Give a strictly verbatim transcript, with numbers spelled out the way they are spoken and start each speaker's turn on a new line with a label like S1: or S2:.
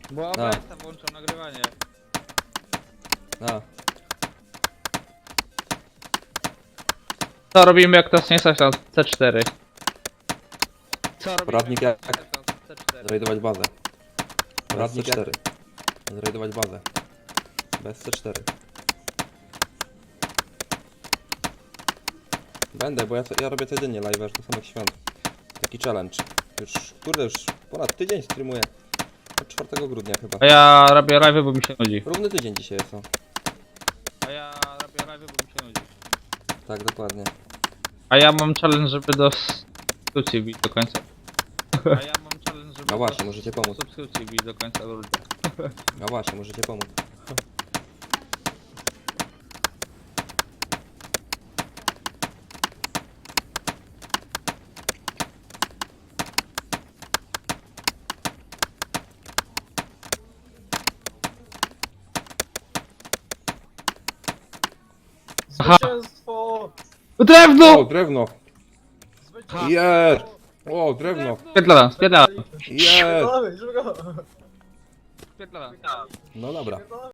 S1: Bo
S2: A.
S1: O B S włączał nagrywanie.
S2: A,
S3: Co robimy jak to nie stać na C cztery?
S1: Co robimy?
S2: Poradnik jak-
S1: C cztery.
S2: zrajdować bazę. Bez C
S4: Poradnik
S2: cztery. Zrajdować bazę. Bez C cztery. Będę, bo ja, co- ja robię codziennie live aż do samych świąt. Taki challenge. Już, kurde, już ponad tydzień streamuję. Od czwartego grudnia chyba.
S3: A ja robię live, bo mi się nudzi.
S2: Równy tydzień dzisiaj jest, o.
S1: A ja robię live, bo mi się nudzi.
S2: Tak, dokładnie.
S3: A ja mam challenge, żeby do subskrypcji bić do końca.
S1: A ja mam challenge, żeby...
S2: No właśnie, możecie pomóc.
S1: Subskrypcji bić do końca ludzie.
S2: No właśnie, możecie pomóc.
S3: Aha.
S4: Zwycięstwo!
S3: Drewno!
S2: O, drewno! Jest! O, drewno!
S3: Spierdala, spierdala.
S2: Jest!
S4: Dawaj, szybko!
S1: Spierdala.
S2: No dobra.